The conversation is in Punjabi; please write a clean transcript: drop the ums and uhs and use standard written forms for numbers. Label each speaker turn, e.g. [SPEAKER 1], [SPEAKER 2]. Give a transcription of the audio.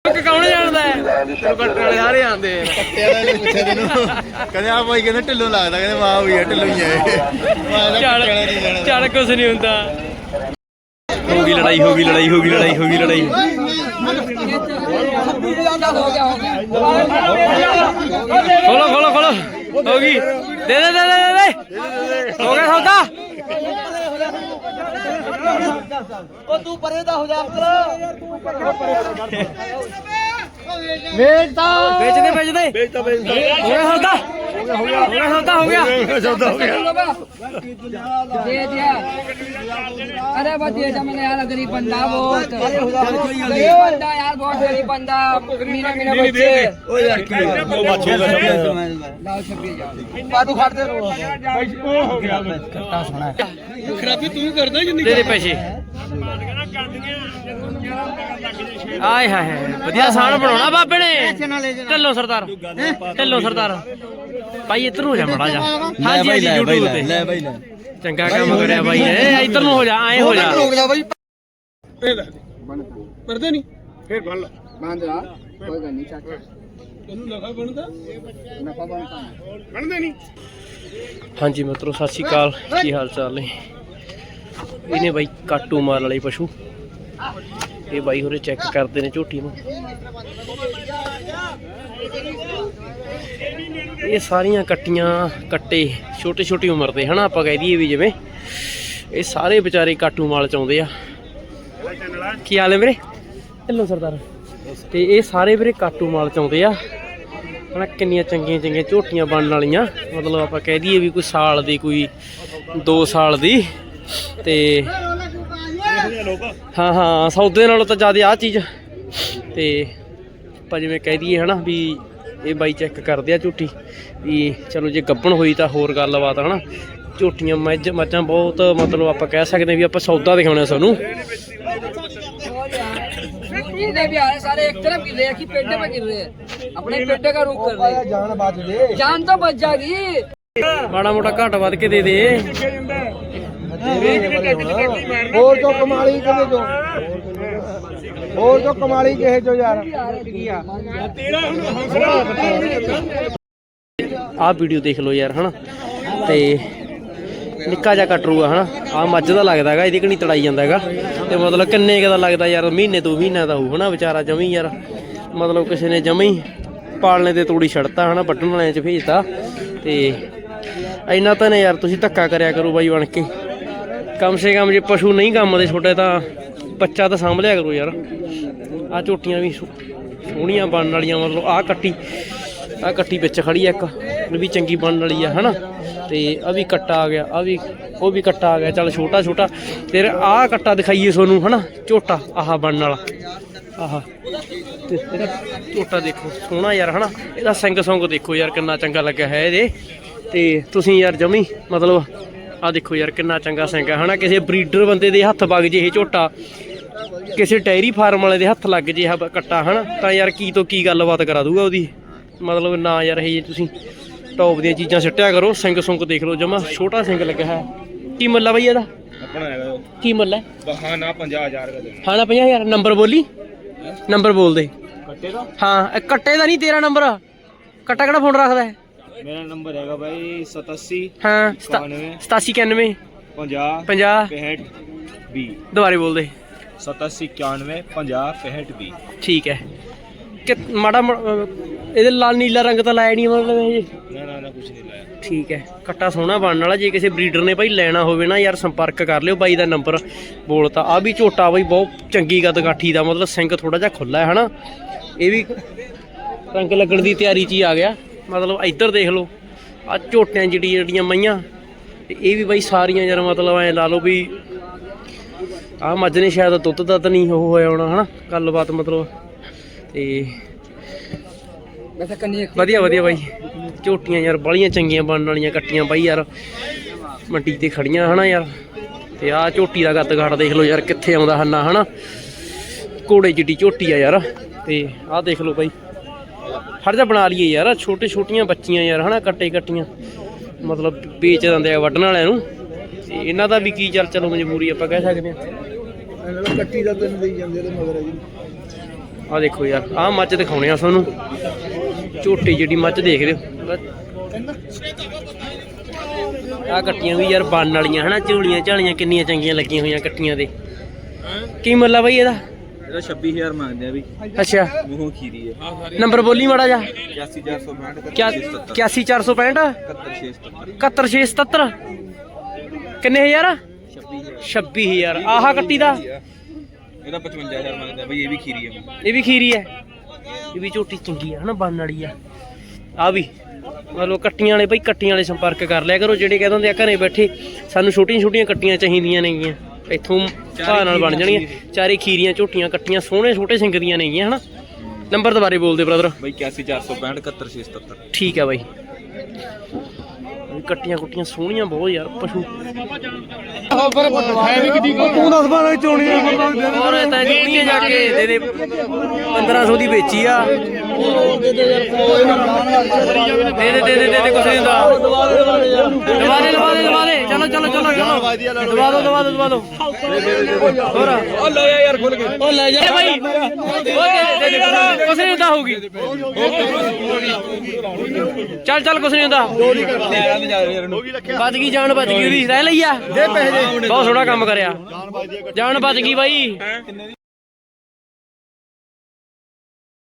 [SPEAKER 1] कौन जानता है कट्टे वाले सारे आंदे
[SPEAKER 2] कहते आ भाई कहते ढिल्लो लगता कहते वाह भैया ढिल्लो ही है
[SPEAKER 1] चल कुछ नहीं होता होगी लड़ाई होगी लड़ाई होगी लड़ाई होगी लड़ाई खोलो खोलो खोलो होगी दे दे दे दे दे हो गया सौदा
[SPEAKER 3] तू परे दा हो जा
[SPEAKER 1] बेचता बेच दे बेच दे बेचता बेचता हो गया सौदा हो गया सौदा हो गया सौदा हो गया
[SPEAKER 3] दे दिया अरे बस दे जा मैंने यार गरीब बंदा बहुत गरीब बंदा यार बहुत गरीब बंदा मीना मीना बच्चे ओ यार की वो बच्चे लाओ छपी जा पादू खाते हो गया कट्टा सोना खराबी तू करदा जिंदगी
[SPEAKER 1] दे दे पैसे आए हाय ਵਧੀਆ ਸਾਨ ਬਣਾਉਣਾ ਬਾਬੇ ਨੇ ਢੱਲੋ ਸਰਦਾਰ ਭਾਈ ਇੱਧਰ ਹੋ ਜਾ ਮੜਾ ਜਾ ਹਾਂਜੀ ਹਾਂਜੀ YouTube ਤੇ
[SPEAKER 2] ਲੈ ਬਾਈ ਲੈ
[SPEAKER 1] ਚੰਗਾ ਕੰਮ ਕਰਿਆ ਬਾਈ ਨੇ ਇੱਧਰ ਨੂੰ ਹੋ ਜਾ ਐ ਹੋ ਜਾ
[SPEAKER 3] ਰੁਕ ਜਾ ਬਾਈ
[SPEAKER 2] ਮਰਦੇ ਨਹੀਂ ਫੇਰ ਬੰਨ ਲਾ
[SPEAKER 3] ਬੰਦ ਲਾ ਕੋਈ ਗੱਲ ਨਹੀਂ ਚਾਚਾ
[SPEAKER 2] ਇਹਨੂੰ ਨਫਾ ਬਣਦਾ
[SPEAKER 3] ਨਫਾ ਬਣਦਾ
[SPEAKER 2] ਬਣਦੇ ਨਹੀਂ
[SPEAKER 1] ਹਾਂਜੀ ਮਿੱਤਰੋ ਸਤਿ ਸ਼੍ਰੀ ਅਕਾਲ ਕੀ ਹਾਲ ਚਾਲ ਨੇ ਇਹਨੇ ਬਾਈ ਕਾਟੂ ਮਾਰ ਵਾਲੇ ਪਸ਼ੂ ਇਹ ਬਾਈ ਹੋਰੇ ਚੈੱਕ ਕਰਦੇ ਨੇ ਝੋਟੀ ਨੂੰ ਇਹ ਸਾਰੀਆਂ ਕੱਟੀਆਂ ਕੱਟੇ ਛੋਟੇ ਛੋਟੀ ਉਮਰ ਦੇ ਹਨਾ ਆਪਾਂ ਕਹਿ ਦਈਏ ਵੀ ਜਿਵੇਂ ਇਹ ਸਾਰੇ ਵਿਚਾਰੇ ਕਾਟੂ ਮਾਲ ਚ ਆਉਂਦੇ ਆ ਕੀ ਹਾਲ ਹੈ ਵੀਰੇ ਢਿੱਲੋਂ ਸਰਦਾਰ ਤੇ ਇਹ ਸਾਰੇ ਵੀਰੇ ਕਾਟੂ ਮਾਲ ਚ ਆਉਂਦੇ ਆ ਹਨਾ ਕਿੰਨੀਆਂ ਚੰਗੀਆਂ ਚੰਗੀਆਂ ਝੋਟੀਆਂ ਬਣਨ ਵਾਲੀਆਂ ਮਤਲਬ ਆਪਾਂ ਕਹਿ ਦਈਏ ਵੀ ਕੋਈ ਸਾਲ ਦੀ ਕੋਈ 2 ਸਾਲ ਦੀ ਤੇ ਹਾਂ ਹਾਂ ਸੌਦੇ ਨਾਲੋਂ ਤਾਂ ਜ਼ਿਆਦਾ ਆਹ ਚੀਜ਼ ਤੇ ਆਪਾਂ ਜਿਵੇਂ ਕਹਿ ਦਈਏ ਹਨਾ ਵੀ ਇਹ ਬਾਈ ਚੈੱਕ ਕਰਦੇ ਆ ਝੋਟੀ ਵੀ ਚਲੋ ਜੇ ਗੱਭਣ ਹੋਈ ਤਾਂ ਹੋਰ ਗੱਲਬਾਤ ਹਨਾ ਝੋਟੀਆਂ ਮੱਝਾਂ ਬਹੁਤ ਮਤਲਬ ਆਪਾਂ ਕਹਿ ਸਕਦੇ ਵੀ ਆਪਾਂ ਸੌਦਾ ਦਿਖਾਉਣਾ ਸਾਨੂੰ
[SPEAKER 3] ये भी आ रहे सारे एक तरफ गिर रहे हैं कि पेटे पे गिर रहे हैं अपने पेटे का रुख कर रहे हैं जान बच दे जान तो बच जाएगी
[SPEAKER 1] ਮਾੜਾ ਮੋਟਾ ਘੱਟ ਵੱਧ ਕੇ ਦੇ ਦੇ
[SPEAKER 2] ਹੋਰ ਜੋ ਕਮਾਲੀ ਕਿਹਦੇ ਜੋ ਹੋਰ ਜੋ ਕਮਾਲੀ ਕਿਹੇ ਜੋ ਯਾਰ
[SPEAKER 1] ਆਹ ਵੀਡੀਓ ਦੇਖ ਲਓ ਯਾਰ ਹਨਾ ਤੇ ਨਿੱਕਾ ਜਿਹਾ ਕਟਰੂ ਆ ਹਨਾ ਆਹ ਮੱਝ ਦਾ ਲੱਗਦਾ ਹੈਗਾ ਇਹਦੀ ਕਣੀ ਤੜਾਈ ਜਾਂਦਾ ਹੈਗਾ ਤੇ ਮਤਲਬ ਕਿੰਨੇ ਕੁ ਦਾ ਲੱਗਦਾ ਯਾਰ ਮਹੀਨੇ 2 ਮਹੀਨਿਆਂ ਦਾ ਹੋਊ ਹਨਾ ਵਿਚਾਰਾ ਜਮੀ ਯਾਰ ਮਤਲਬ ਕਿਸੇ ਨੇ ਜਮੀ ਪਾਲਣੇ ਤੇ ਤੋੜੀ ਛੱਡਤਾ ਹਨਾ ਵੱਢਣ ਵਾਲਿਆਂ 'ਚ ਭੇਜਤਾ ਤੇ ਇੰਨਾ ਤਾਂ ਨੇ ਯਾਰ ਤੁਸੀਂ ਧੱਕਾ ਕਰਿਆ ਕਰੋ ਬਾਈ ਬਣ ਕੇ ਕਮ ਸੇ ਕਮ ਜੇ ਪਸ਼ੂ ਨਹੀਂ ਕੰਮ ਦੇ ਛੋਟੇ ਤਾਂ ਬੱਚਾ ਤਾਂ ਸਾਂਭ ਲਿਆ ਕਰੋ ਯਾਰ ਆਹ ਝੋਟੀਆਂ ਵੀ ਸੋਹਣੀਆਂ ਬਣਨ ਵਾਲੀਆਂ ਮਤਲਬ ਆਹ ਕੱਟੀ ਵਿੱਚ ਖੜੀ ਆ ਇੱਕ ਵੀ ਚੰਗੀ ਬਣਨ ਵਾਲੀ ਆ ਹਨਾ ਤੇ ਆ ਵੀ ਕੱਟਾ ਆ ਗਿਆ ਆ ਵੀ ਉਹ ਵੀ ਕੱਟਾ ਆ ਗਿਆ ਚੱਲ ਛੋਟਾ ਛੋਟਾ ਫਿਰ ਆਹ ਕੱਟਾ ਦਿਖਾਈਏ ਤੁਹਾਨੂੰ ਹਨਾ ਝੋਟਾ ਆਹ ਬਣਨ ਵਾਲਾ ਆਹ ਤੇ ਇਹਦਾ ਝੋਟਾ ਦੇਖੋ ਸੋਹਣਾ ਯਾਰ ਹਨਾ ਇਹਦਾ ਸਿੰਗ ਸੁੰਗ ਦੇਖੋ ਯਾਰ ਕਿੰਨਾ ਚੰਗਾ ਲੱਗਿਆ ਹੈ ਇਹਦੇ ਤੇ ਤੁਸੀਂ ਯਾਰ ਜਮੀ ਮਤਲਬ ਆਹ ਦੇਖੋ ਯਾਰ ਕਿੰਨਾ ਚੰਗਾ ਸਿੰਗ ਹੈ ਹਨਾ ਕਿਸੇ ਬਰੀਡਰ ਬੰਦੇ ਦੇ ਹੱਥ ਵਗ ਜੇ ਇਹ ਝੋਟਾ ਕਿਸੇ ਡੈਰੀ ਫਾਰਮ ਵਾਲੇ ਦੇ ਹੱਥ ਲੱਗ ਜੇ ਇਹ ਕੱਟਾ ਹਨਾ ਤਾਂ ਯਾਰ ਕੀ ਤੋਂ ਕੀ ਗੱਲਬਾਤ ਕਰਾ ਦੂਗਾ ਉਹਦੀ ਮਤਲਬ ਨਾ ਯਾਰ ਇਹ ਤੁਸੀਂ ਟੌਪ ਦੀਆਂ ਚੀਜ਼ਾਂ ਸਿੱਟਿਆ ਕਰੋ ਸਿੰਗ ਸੁੰਗ ਦੇਖ ਲਓ ਜਮਾ ਛੋਟਾ ਸਿੰਗ ਲੱਗਿਆ ਹੈ ਕੀ ਮੁੱਲ ਆ ਬਈ ਇਹਦਾ
[SPEAKER 2] ਆਪਣਾ ਹੈਗਾ
[SPEAKER 1] ਕੀ ਮੁੱਲ ਹੈ
[SPEAKER 2] ਹਾਂ ਨਾ 50000 ਦਾ ਦੇਣਾ
[SPEAKER 1] ਹਾਂ ਨਾ 50000 ਨੰਬਰ ਬੋਲੀ ਨੰਬਰ ਬੋਲ ਦੇ
[SPEAKER 2] ਕੱਟੇ ਦਾ
[SPEAKER 1] ਹਾਂ ਕੱਟੇ ਦਾ ਨਹੀਂ ਤੇਰਾ ਨੰਬਰ ਕੱਟਾ ਕਿਹੜਾ ਫੋਨ ਰੱਖਦਾ ਹੈ
[SPEAKER 2] ਮੇਰਾ ਨੰਬਰ ਹੈਗਾ ਬਾਈ 87
[SPEAKER 1] ਹਾਂ
[SPEAKER 2] 97
[SPEAKER 1] 8791
[SPEAKER 2] 50
[SPEAKER 1] 50
[SPEAKER 2] 65 20
[SPEAKER 1] ਦੁਬਾਰੇ ਬੋਲ ਦੇ
[SPEAKER 2] 87 91 50 65 20
[SPEAKER 1] ਠੀਕ ਹੈ ਕਿ ਮਾੜਾ ਇਹਦੇ ਲਾਲ ਨੀਲਾ ਰੰਗ ਤਾਂ ਲਾਇਆ ਨਹੀਂ ਮਤਲਬ ਇਹ
[SPEAKER 2] ਨਾ ਕੁਝ ਨਹੀਂ ਲਾਇਆ
[SPEAKER 1] ਠੀਕ ਹੈ ਕੱਟਾ ਸੋਹਣਾ ਬਣਨ ਵਾਲਾ ਜੇ ਕਿਸੇ ਬਰੀਡਰ ਨੇ ਭਾਈ ਲੈਣਾ ਹੋਵੇ ਨਾ ਯਾਰ ਸੰਪਰਕ ਕਰ ਲਿਓ ਬਾਈ ਦਾ ਨੰਬਰ ਬੋਲਤਾ ਆ ਵੀ ਝੋਟਾ ਬਾਈ ਬਹੁਤ ਚੰਗੀ ਗੱਦਗਾਠੀ ਦਾ ਮਤਲਬ ਸਿੰਗ ਥੋੜਾ ਜਿਹਾ ਖੁੱਲਾ ਹੈ ਹਨਾ ਇਹ ਵੀ ਰੰਗ ਲੱਗਣ ਦੀ ਤਿਆਰੀ 'ਚ ਹੀ ਆ ਗਿਆ ਮਤਲਬ ਇੱਧਰ ਦੇਖ ਲਓ ਆ ਝੋਟਿਆਂ ਜਿਹੜੀਆਂ ਮਈਆਂ ਤੇ ਇਹ ਵੀ ਬਾਈ ਸਾਰੀਆਂ ਯਾਰ ਮਤਲਬ ਐ ਲਾ ਲਓ ਵੀ ਆਹ ਮੱਝ ਨੇ ਸ਼ਾਇਦ ਦੁੱਧ ਦਾ ਤਾਂ ਨਹੀਂ ਉਹ ਹੋਇਆ ਹੋਣਾ ਹਨਾ ਗੱਲਬਾਤ ਮਤਲਬ ਤੇ ਵਧੀਆ ਬਾਈ ਝੋਟੀਆਂ ਯਾਰ ਬਾਲੀਆਂ ਚੰਗੀਆਂ ਬਣਨ ਵਾਲੀਆਂ ਕੱਟੀਆਂ ਬਾਈ ਯਾਰ ਮੰਡੀ ਤੇ ਖੜੀਆਂ ਹਨਾ ਯਾਰ ਤੇ ਆਹ ਝੋਟੀ ਦਾ ਗੱਦਗਾਠ ਦੇਖ ਲਓ ਯਾਰ ਕਿੱਥੇ ਆਉਂਦਾ ਹੰਨਾ ਹਨਾ ਘੋੜੇ ਜਿੱਡੀ ਝੋਟੀ ਆ ਯਾਰ ਤੇ ਆਹ ਦੇਖ ਲਓ ਬਾਈ ਫੜ ਜਾ ਬਣਾ ਲਈਏ ਯਾਰ ਛੋਟੀਆਂ ਬੱਚੀਆਂ ਯਾਰ ਹਨਾ ਕੱਟੀਆਂ ਮਤਲਬ ਵੇਚ ਦਿੰਦੇ ਆ ਵੱਢਣ ਵਾਲਿਆਂ ਨੂੰ ਤੇ ਇਹਨਾਂ ਦਾ ਵੀ ਕੀ ਚਲੋ ਮਜਬੂਰੀ ਆਪਾਂ ਕਹਿ ਸਕਦੇ ਹਾਂ
[SPEAKER 2] ਕੱਟੀ ਦਾ ਤੈਨੂੰ ਦੇਈ ਜਾਂਦੇ ਤੇ ਮਗਰ ਜੀ
[SPEAKER 1] ਆ ਦੇਖੋ ਯਾਰ ਆਹ ਮੱਝ ਦਿਖਾਉਣੇ ਆ ਤੁਹਾਨੂੰ ਝੋਟੀ ਜਿਹੜੀ ਮੱਝ ਦੇਖ ਰਹੇ ਹੋ ਆ ਕੱਟੀਆਂ ਵੀ ਯਾਰ ਬਣਨ ਵਾਲੀਆਂ ਹਨਾ ਝੋਲੀਆਂ ਝਾਲੀਆਂ ਕਿੰਨੀਆਂ ਚੰਗੀਆਂ ਲੱਗੀਆਂ ਹੋਈਆਂ ਕੱਟੀਆਂ ਦੇ ਕੀ ਮੁੱਲ ਆ ਬਈ ਇਹਦਾ
[SPEAKER 2] 26000 ਮੰਗਦੇ ਆ ਵੀ
[SPEAKER 1] ਅੱਛਾ
[SPEAKER 2] ਮੂੰਹੋਂ ਖੀਰੀ ਹੈ
[SPEAKER 1] ਨੰਬਰ ਬੋਲੀ ਮਾੜਾ ਜਾ
[SPEAKER 2] 81465
[SPEAKER 1] 81465 71677 ਕਿੰਨੇ ਹਜ਼ਾਰ 26000 ਆਹਾ ਕੱਟੀ ਦਾ
[SPEAKER 2] ਇਹਦਾ 55000 ਮੰਗਦੇ ਆ ਬਈ ਇਹ ਵੀ ਖੀਰੀ ਹੈ
[SPEAKER 1] ਇਹ ਵੀ ਖੀਰੀ ਹੈ ਇਹ ਵੀ ਝੋਟੀ ਚੰਗੀ ਆ ਹਨਾ ਬਣਨ ਵਾਲੀ ਆ ਆ ਵੀ ਮਤਲਬ ਕੱਟੀਆਂ ਵਾਲੇ ਬਈ ਕੱਟੀਆਂ ਵਾਲੇ ਸੰਪਰਕ ਕਰ ਲਿਆ ਕਰੋ ਜਿਹੜੇ ਕਹਿ ਦਿੰਦੇ ਆ ਘਰੇ ਬੈਠੇ ਸਾਨੂੰ ਛੋਟੀਆਂ ਛੋਟੀਆਂ ਕੱਟੀਆਂ ਚਾਹੀਦੀਆਂ ਨੇਗੀਆਂ ਇੱਥੋਂ ਘਾਹ ਨਾਲ ਬਣ ਜਾਣੀਆਂ ਚਾਰੇ ਖੀਰੀਆਂ ਝੋਟੀਆਂ ਕੱਟੀਆਂ ਸੋਹਣੇ ਛੋਟੇ ਸਿੰਘ ਦੀਆਂ ਨੇਗੀਆਂ ਹਨਾ ਨੰਬਰ ਦੁਬਾਰੇ ਬੋਲਦੇ ਬ੍ਰਦਰ
[SPEAKER 2] ਬਈ 81465 71677
[SPEAKER 1] ਠੀਕ ਆ ਬਾਈ ਕੱਟੀਆਂ ਕੁੱਟੀਆਂ ਸੋਹਣੀਆਂ ਬਹੁਤ ਯਾਰ ਪਸ਼ੂ
[SPEAKER 2] ਤੂੰ ਦੱਸ ਬਾਰੇ ਚੋਣੀ
[SPEAKER 1] ਹੋਰ ਇਹ ਤਾਂ ਜਿਹੜੀਆਂ ਜਾ ਕੇ ਦੇ ਦੇ 1500 ਦੀ ਵੇਚੀ ਆ ਦੇ ਦੇ ਕੁਛ ਨਹੀਂ ਹੁੰਦਾ ਦਵਾ ਦੇ ਚਲੋ ਦਵਾ ਦੋ ਹੋਰ
[SPEAKER 2] ਉਹ ਲੈ ਯਾਰ ਖੁੱਲ ਕੇ
[SPEAKER 1] ਉਹ ਲੈ ਜਾ ਭਾਈ ਉਹ ਦੇ ਦੇ ਕੁਛ ਨਹੀਂ ਹੁੰਦਾ ਹੋਊਗੀ ਚੱਲ ਕੁਛ ਨਹੀਂ ਹੁੰਦਾ ਬਚ ਗਈ ਜਾਨ ਬਚ ਗਈ ਉਹਦੀ ਰਹਿ ਲਈ ਆ ਬਹੁਤ ਸੋਹਣਾ ਕੰਮ ਕਰਿਆ ਜਾਨ ਬਚ ਗਈ ਬਾਈ